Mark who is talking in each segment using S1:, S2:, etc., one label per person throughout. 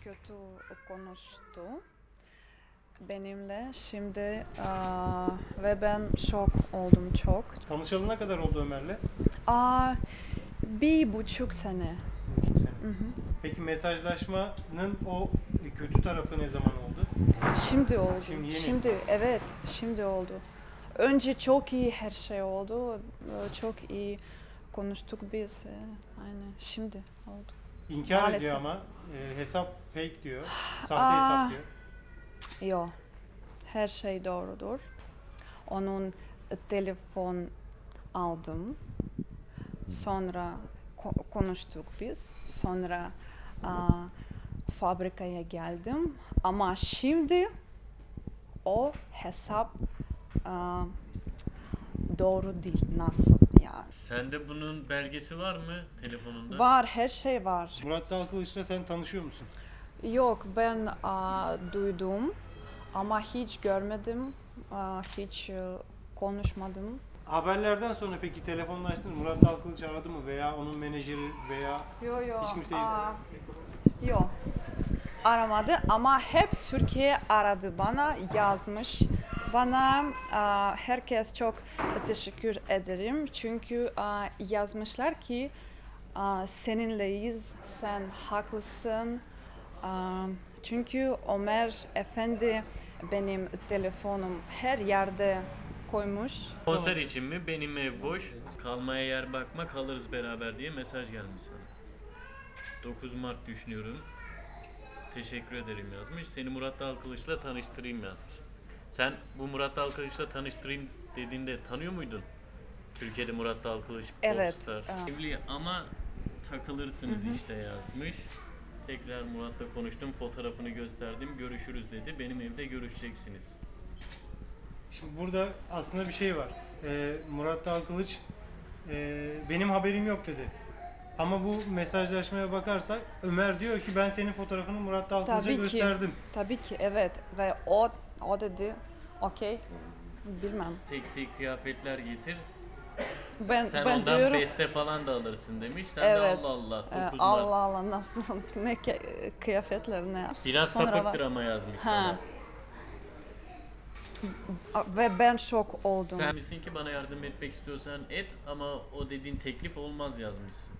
S1: kötü konuştu benimle şimdi ve ben şok oldum çok.
S2: Tanışalı ne kadar oldu Ömer'le?
S1: 1,5 sene.
S2: 1,5 sene.
S1: Hı hı.
S2: Peki mesajlaşmanın o kötü tarafı ne zaman oldu?
S1: Şimdi oldu.
S2: Şimdi yeni.
S1: Şimdi oldu. Önce çok iyi her şey oldu. Çok iyi konuştuk biz. Aynen şimdi oldu.
S2: İnkar
S1: Maalesef.
S2: ediyor ama hesap fake diyor. Sahte hesap diyor.
S1: Yok. Her şey doğrudur. Onun telefon aldım. Sonra konuştuk biz. Sonra fabrikaya geldim. Ama şimdi o hesap doğru değil. Nasıl yani?
S3: Sende bunun belgesi var mı telefonunda?
S1: Var, her şey var.
S2: Murat Dalkılıç'la sen tanışıyor musun?
S1: Yok, ben duydum ama hiç görmedim, hiç konuşmadım.
S2: Haberlerden sonra peki telefonlaştın mı? Murat Dalkılıç aradı mı veya onun menajeri veya
S1: Yok.
S2: hiç kimse
S1: Yok. Aramadı ama hep Türkiye aradı bana, yazmış. Bana herkes çok teşekkür ederim çünkü yazmışlar ki seninleyiz, sen haklısın. Çünkü Ömer Efendi benim telefonum her yerde koymuş.
S3: Konser için mi? Benim ev boş. Kalmaya yer bakma, kalırız beraber diye mesaj gelmiş sana. 9 Mart düşünüyorum. Teşekkür ederim yazmış. Seni Murat Dalkılıç'la tanıştırayım yazmış. Sen bu Murat Dalkılıç'la tanıştırayım dediğinde tanıyor muydun? Türkiye'de Murat Dalkılıç,
S1: Evet.
S3: Popstar. Evli ama takılırsınız işte yazmış. Tekrar Murat'la konuştum, fotoğrafını gösterdim, görüşürüz dedi. Benim evde görüşeceksiniz.
S2: Şimdi burada aslında bir şey var. Murat Dalkılıç benim haberim yok dedi. Ama bu mesajlaşmaya bakarsak Ömer diyor ki ben senin fotoğrafını Murat Dalkılıç'a gösterdim.
S1: Tabii ki evet ve o dedi okey bilmem.
S3: Seksi kıyafetler getir.
S1: Ben
S3: Ondan
S1: diyorum
S3: beste falan da alırsın demiş. Sen
S1: evet.
S3: de Allah Allah. 9 Mart.
S1: Allah nasıl ne kıyafetler ne?
S3: Biraz
S1: Sonra
S3: sapıktır ama yazmış sana.
S1: Ve ben şok oldum.
S3: Sen demişsin ki bana yardım etmek istiyorsan et ama o dediğin teklif olmaz yazmışsın.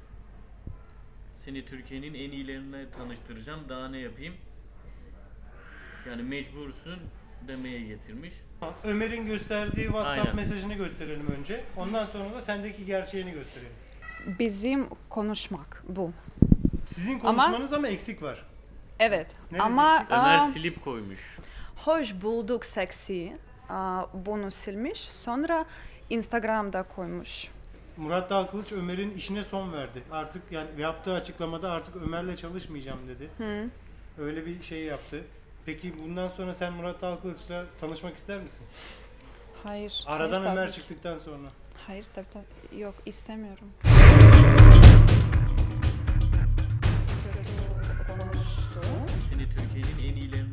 S3: Seni Türkiye'nin en iyilerine tanıştıracağım. Daha ne yapayım? Yani mecbursun demeye getirmiş.
S2: Ömer'in gösterdiği WhatsApp
S3: Aynen.
S2: mesajını gösterelim önce. Ondan sonra da sendeki gerçeğini gösterelim.
S1: Bizim konuşmak bu.
S2: Sizin konuşmanız ama eksik var.
S1: Evet.
S2: Neresi
S1: Ama
S2: eksik?
S3: Ömer silip koymuş.
S1: hoş bulduk seksi. Bunu silmiş. Sonra Instagram'da koymuş.
S2: Murat Dalkılıç Ömer'in işine son verdi. Artık yani yaptığı açıklamada artık Ömer'le çalışmayacağım dedi. Öyle bir şey yaptı. Peki bundan sonra sen Murat Dalkılıç'la tanışmak ister misin?
S1: Hayır.
S2: Aradan
S1: hayır,
S2: Ömer
S1: tabii.
S2: çıktıktan sonra.
S1: Hayır tabii. Yok istemiyorum.
S3: Seni Türkiye'nin en iyilerine